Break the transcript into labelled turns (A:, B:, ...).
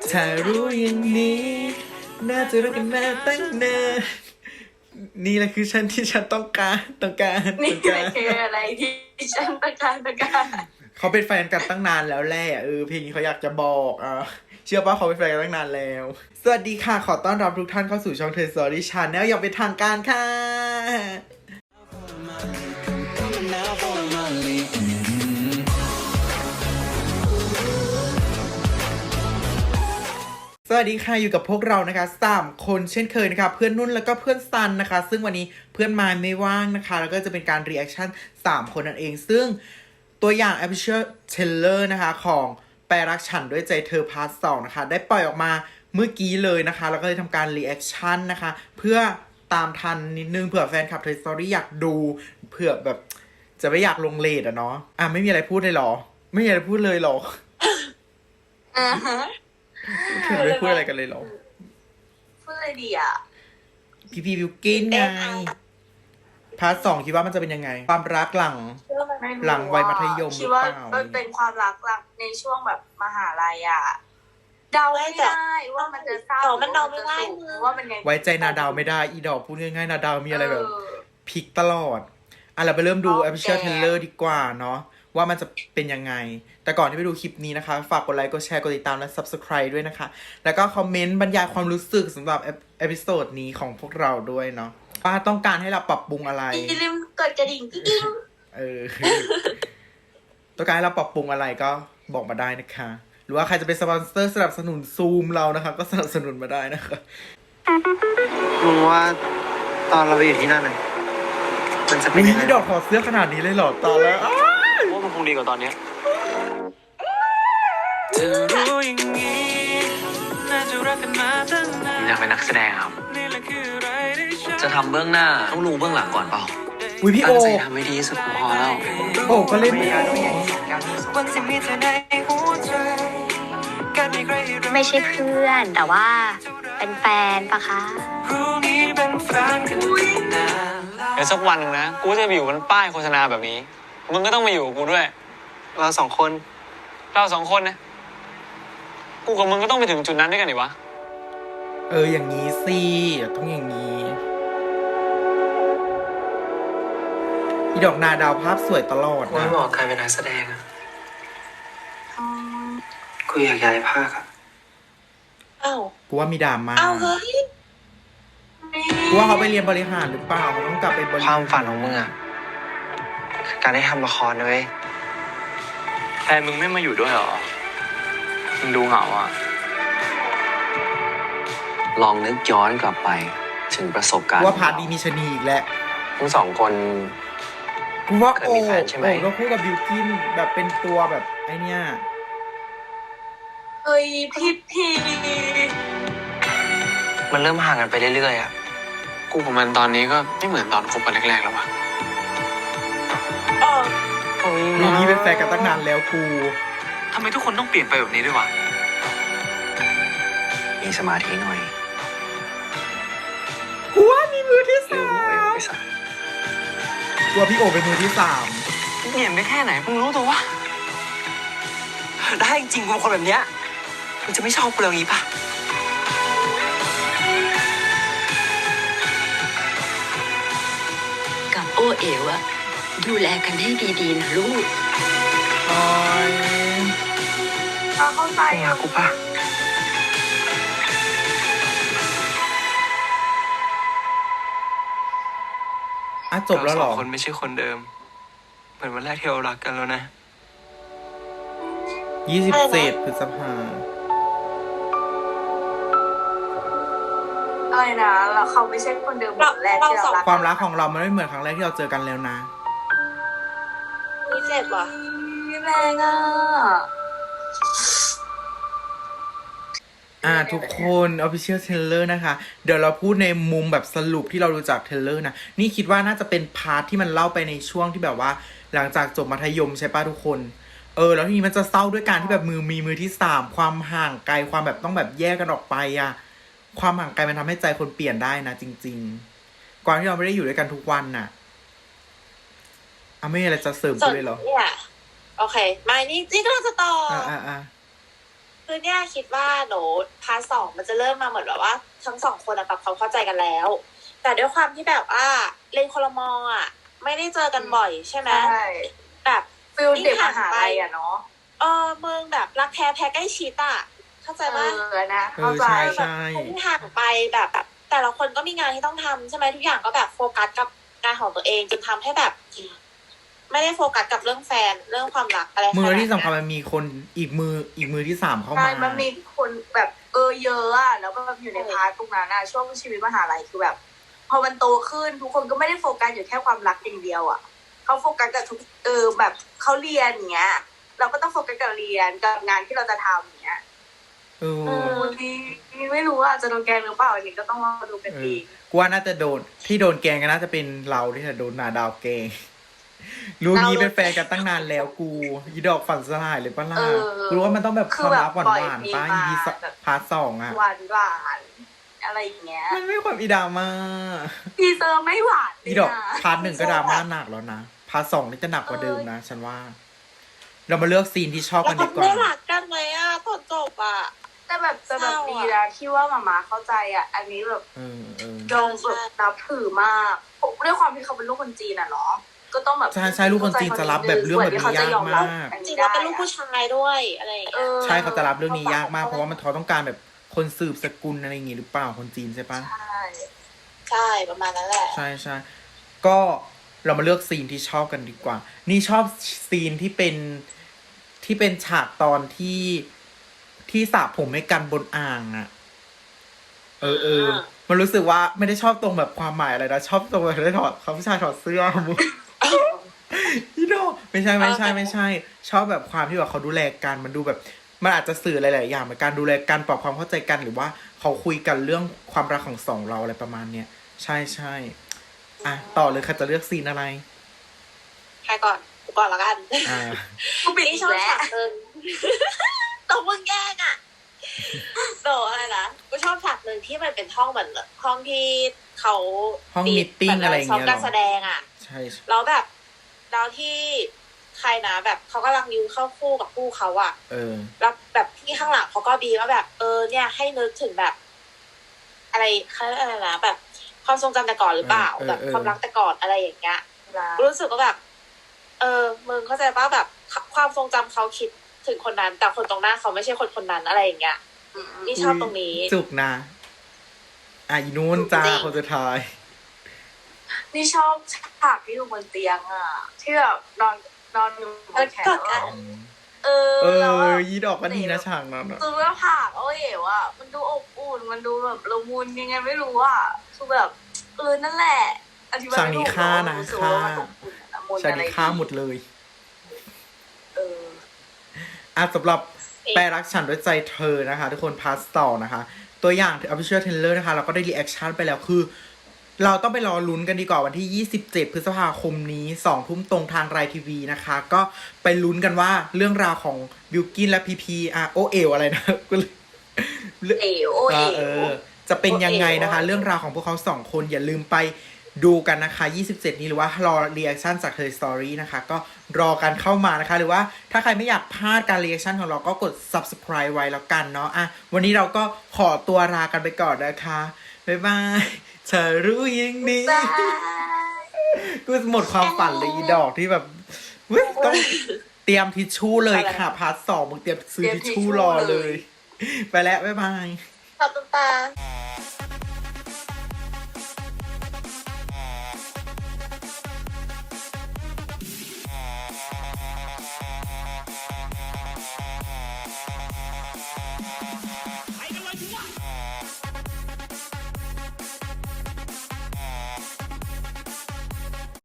A: ถ้ารู้อย่างนี้น่าจะรักกันมาตั้งนานนี่แหละคือฉันที่ฉันต้องการ
B: นี่แหละคืออะไรที่ฉันต้องการ
A: เขาเป็นแฟนกันตั้งนานแล้วแหละเพลงนี้เขาอยากจะบอกเชื่อป่ะเขาเป็นแฟนกันตั้งนานแล้ว สวัสดีค่ะขอต้อนรับทุกท่านเข้าสู่ช่อง Ted Story Channel อย่างเป็นทางการค่ะสวัสดีค่ะอยู่กับพวกเรานะคะ3คนเช่นเคยนะคะเพื่อนนุ่นแล้วก็เพื่อนซันนะคะซึ่งวันนี้เพื่อนมายไม่ว่างนะคะแล้วก็จะเป็นการรีแอคชั่น3คนนั่นเองซึ่งตัวอย่าง Official Trailer นะคะของแปรรักฉันด้วยใจเธอพาร์ท 2นะคะได้ปล่อยออกมาเมื่อกี้เลยนะคะแล้วก็เลยทำการรีแอคชั่นนะคะเพื่อตามทันนิดนึงเผื่อแฟนคลับ Toy Story อยากดูเผื่อแบบจะไม่อยากลงเลทอะเนาะไม่มีอะไรพูดเลยหรอไม่มีอะไรพูดเลยหรอถึงไม่พูดอะไรกันเลยหรอ
B: พูดอะไรดีอ่ะ
A: พีพีบิวกินไงพาร์ท 2คิดว่ามันจะเป็นยังไงความรักหลังวัยมัธยมห
B: คิ
A: รื
B: ด
A: อ
B: ว่า
A: เปล่า
B: มันเป็นความรักในช่วงแบบมหาลัยอ่ะเดาไม่ได้ว่ามันจะเศร้ามันเดาไม่ได้ว่ามันไง
A: ไว้ใจนาดาวไม่ได้อีดอกพูดง่ายๆนาดาวมีอะไรแบบพลิกตลอดเราไปเริ่มดู Official Trailer ดีกว่าเนาะว่ามันจะเป็นยังไงแต่ก่อนที่ไปดูคลิปนี้นะคะฝากกดไลค์กดแชร์กดติดตามและ Subscribe ด้วยนะคะแล้วก็คอมเมนต์บรรยายความรู้สึกสำหรับเอพิโซดนี้ของพวกเราด้วยเนาะว่าต้องการให้เราปรับปรุงอะไร
B: อย่าลืมกดกระดิ่งกิ๊ง
A: ต้องการให้เราปรับปรุงอะไรก็บอกมาได้นะคะหรือว่าใครจะเป็นสปอนเซอร์สนับสนุนซูมเรานะคะก็สนับสนุนมาได้นะคะ
C: มึงว่าตอนเราไปอยู่ที่นั่นเลยมันจะเป็นยังไง
A: ดอกถอดเสื้อขนาดนี้เลยเหรอตอนแล้ว
C: ว่ามันคงดีกว่าตอนเนี้ยอยากเป็นนักแสดงครับจะทำเบื้องหน้าต้องรู้เบื้องหลังก่อนเปล่า
A: พี่โอ
C: ตั้งใจทำให้ดีที่สุดพอแล้ว
A: โอ้ก็เล่น
D: ไม่ใช่เพื่อนแต่ว่าเป็นแฟนปะคะ
C: เดี๋ยวสักวันนึงนะกูจะไปอยู่บนป้ายโฆษณาแบบนี้มึงก็ต้องมาอยู่กับกูด้วยเราสองคนนะกูกับมึงก็ต้องไปถึงจุดนั้นด้วยกันดิวะ
A: อย่างนี้สิต้องอย่างนี้อีดอกนาดาวภาพสวยตลอดนะ
C: ไม่บอกใครเป็นนักแสดงอะกูอยากย้ายภาคอะ
A: กูว่ามีดราม่า
B: เฮ้ย
A: กูว่าเขาไปเรียนบริหารหรือเปล่าเขาต้องกลับไปบริ
C: ค
A: หาร
C: วามฝันของมึงอะคือการได้ทำละครนะเว้ยแฟนมึงไม่มาอยู่ด้วยหรอมึงดูเหงาอะลองนึกย้อนกลับไปถึงประสบการณ์
A: ว่าพาร์ทดีมีชนีอีกแล้ว
C: ทั้งสองคน
A: กูว่าโอ้ก็คู่กับบิวกินแบบเป็นตัวแบบไอเนี้ย
B: เฮ้ยพี
C: มันเริ่มห่างกันไปเรื่อยๆอะกูกับมันตอนนี้ก็ไม่เหมือนตอนคบกันแรกๆแล้ววะ
A: รูนี้เป็นแฟนกันตั้งนานแล้วกู
C: ทำไมทุกคนต้องเปลี่ยนไปแบบนี้ด้วยวะมีสมาธิหน่อย
A: กูว่ามีมือที่สามกูว่าพี่โอเป็นมือที่3
C: เปลี่ยนไปแค่ไหนมึงรู้ตัววะได้จริงกูเป็นคนแบบเนี้ยมึงจะไม่ชอบกูเลยงี้ปะ
D: กับโอเอ๋วอะดูแลกันให้ดีๆนะลูก
B: เข้าใจ
C: อ่ะกูปะ
A: จบแล้วหรอ
C: คนไม่ใช่คนเดิมเหมือนวันแรกที่เรารักกันแล้วนะ
A: 27 พฤษภา
B: อะไรนะแล้วเขาไม่ใช่คนเดิมเหมือนแรกที่เรารัก
A: ความรักของเรามันไม่เหมือนครั้งแรกที่เราเจอกันแล้วนะ
B: นี่เจ็บว่ะแรง
A: ทุกคน Official Trailer นะคะเดี๋ยวเราพูดในมุมแบบสรุปที่เราดูจากเทรลเลอร์นะนี่คิดว่าน่าจะเป็นพาร์ทที่มันเล่าไปในช่วงที่แบบว่าหลังจากจบมัธยมใช่ป่ะทุกคนแล้วทีนี้มันจะเศร้าด้วยการที่แบบมีมือที่3ความห่างไกลความแบบต้องแบบแยกกันออกไปความห่างไกลมันทำให้ใจคนเปลี่ยนได้นะจริงๆก่อนที่เราไม่ได้อยู่ด้วยกันทุกวันน่ะไม่มีอะไรจะเสริมกูเลยเหรอ
B: โอเคมานี่ก็จะต่อคือเนี่ยคิดว่าหนูพาร์ท 2มันจะเริ่มมาเหมือนแบบว่าทั้งสองคนอะปรับความเข้าใจกันแล้ว แต่ด้วยความที่แบบว่าเรียนคนละมออะไม่ได้เจอกันบ่อยใช่ไหม
E: ใช่
B: แบบ
E: ฟิลเด็กมหาลัยอะเนาะ
B: มึงแบบรักแท้แพ้ใกล้ชิดอะเข้าใจปะ
E: นะเข้าใจ
A: ใช่
B: แบบที่ห่างไปแบบแต่ละคนก็มีงานที่ต้องทำใช่ไหมทุกอย่างก็แบบโฟกัสกับงานของตัวเองจนทำให้แบบ ไม่ได้โฟกัสกับเรื่องแฟนเรื่องความรักอะไร
A: มือที่
B: ขนาด
A: สำคัญ
B: นั้น
A: มันมีคนอีกมือที่3เข้า
E: ใช่
A: มา
E: มันมีคนแบบเยอะอะแล้วก็แบบอยู่ในพาร์ทตรงนั้นอะช่วงชีวิตมหาลัยคือแบบ พอมันโตขึ้นทุกคนก็ไม่ได้โฟกัสอยู่แค่ความรักอย่างเดียวอะเขาโฟกัสกับทุกแบบเขาเรียนอย่างเงี้ย เราก็ต้องโฟกัสกับเรียนกับงานที่เราจะทำอย่างเงี้ย นี่ไม่รู้ว่าจะโดนแกล้งหรือเปล่าอันนี้ก็ต้องมาดูกันดี
A: กูว่าน่าจะโดนที่โดนแกงก็น่าจะเป็นเราที่จะโดนนาดาวแกงรู้งี้เป็นแฟนกันตั้งนานแล้วกูอีดอกฝันสลายเลยปะล่ะรู้ว่ามันต้องแบบความรักหวานๆป้าอีพีพาร์ท 2อะ
E: หวานอะไรอย่างเงี้ย
A: มันไม่ความอีดราม่า
E: ทีเซอร์ไม่หวานเลย
A: อีดอก
E: นะ
A: พาร์ท 1ก็ดราม่าหนักแล้วนะพาร์ท 2นี่จะหนักกว่าเดิมนะฉันว่า เรามาเลือกซีนที่ชอบ
B: แล้
A: กั
B: วน
A: ดีกว่า
B: ได้รักกันไหมอะตอนจบอะ
E: แต่แบบจะแบบดีนะที่ว่ามาม่าเข้าใจอ่ะ อันนี้แบบ
A: เออ
E: โดนแบบนับถือมากด้วยความที่เขาเป็นลูกคนจีนอ่ะเนาะก็ต้องแบบ
A: ใช่ลูกคนจีนจะรับแบบเรื่องแบบนี้ยากมาก
B: จริงๆเราเป็นลูกผู้ชายด้วยอะไรอย่างเงี้ย
A: ใช่เขาจะรับเรื่องนี้ยากมากเพราะว่ามันเขาต้องการแบบคนสืบสกุลอะไรอย่างงี้หรือเปล่าคนจีนใช่ปะ
E: ใช่
B: ใช่ประมาณนั้นแหละ
A: ใช่ก็เรามาเลือกซีนที่ชอบกันดีกว่า นี่ชอบซีนที่เป็นฉากตอนที่สระผมให้กันบนอ่างอะมันรู้สึกว่าไม่ได้ชอบตรงแบบความหมายอะไรนะชอบตรงแบบได้ถอดเขาผู้ชายถอดเสื้อมึงพี่โดไม่ใช่ชอบแบบความที่แบบเขาดูแลกันมันดูแบบมันอาจจะสื่อหลายๆอย่างเหมือนการดูแลกันปรับความเข้าใจกันหรือว่าเขาคุยกันเรื่องความรักของสองเราอะไรประมาณเนี้ยใช่อ่ะต่อเลยค่ะจะเลือกซีนอะไร
B: ใครก่อนกูก่อนละกัน
E: กูปิด
B: นี่
E: อี
B: ช
E: ก
B: อบ
E: แล้ว
B: ฉากหนึ่งตกมึงแย่งอ่ะโดอะไรนะกูชอบฉากหนึ่งที่มันเป็นห้องเหมือนห้องที่เขา
A: ห้องมีตติ้งอะไรอย่างเงี้ย
B: ซ้อมการแสดงอ่ะ
A: ใช่
B: แล้วแบบแล้วที่ใครนะแบบเขากำลังยืนเข้าคู่กับคู่เขาอ่ะแล้วแบบที่ข้างหลังเขาก็บีว่าแบบเนี่ยให้นึกถึงแบบ อะไรเขาเรียกอะไรนะแบบความทรงจำแต่ก่อนหรือเปล่าแบบความรักแต่ก่อนอะไรอย่างเงี้ยรู้สึกว่าแบบมึงเข้าใจป่ะแบบความทรงจำเขาคิดถึงคนนั้นแต่คนตรงหน้าเขาไม่ใช่คนนั้นอะไรอย่างเงี้ยนี่ชอบตรงนี้
A: จุกนะอีนู้นจ้า
B: จริง
A: คนสุดท้าย
E: นี่ชอบฉากที่อยู่บนเตียงอ่ะที่แบบนอนอยู่บนแขนแล้วแล้ว
A: ยีดอกก็ดีนะฉากนั้นอะ
E: คือว่าผักว่ะมันดูอบอุ่นมันดูแบบละมุนยังไงไม่รู้อ่ะคือแบบนั่นแหละอธิบาย
A: ฉาก
E: ไม่ถู
A: นี้
E: ก
A: ฆ่านะ
E: รู้สึกว่ามันอบอุ่นละมุน
A: ฉาก
E: อะไร
A: นี้ฆ่าหมดเลย สำหรับ
B: เอ๊ะ
A: แปรรักฉันด้วยใจเธอนะคะ ทุกคนพาร์ทต่อนะคะ ตัวอย่าง official trailer นะคะ เราก็ได้รีแอคชั่นไปแล้วคือ เราต้องไปรอลุ้นกันดีกว่าวันที่ 27 พฤษภาคมนี้ 2 ทุ่มตรงทางไรทีวีนะคะ ก็ไปลุ้นกันว่าเรื่องราวของบิลกินและพีพีโอเอลอะไรนะ จะเป็นยังไงนะคะ เรื่องราวของพวกเขา2คนอย่าลืมไปดูกันนะคะ 27 นี้หรือว่ารอรีแอคชั่นจาก Her Story นะคะ ก็รอกันเข้ามานะคะ หรือว่าถ้าใครไม่อยากพลาดการรีแอคชั่นของเราก็กด subscribe ไว้แล้วกันเนาะวันนี้เราก็ขอตัวลากันไปก่อนนะคะ บ๊ายบายเธอรู้ยังดีกูหมดความฝันเลยอีดอกที่แบบต้องเตรียมทิชชู่เลยค่ะพาร์ท 2มึงเตรียมซื้อทิชชู่รอเลย ไปแล้วบ๊ายบาย
B: ขอบคุณตา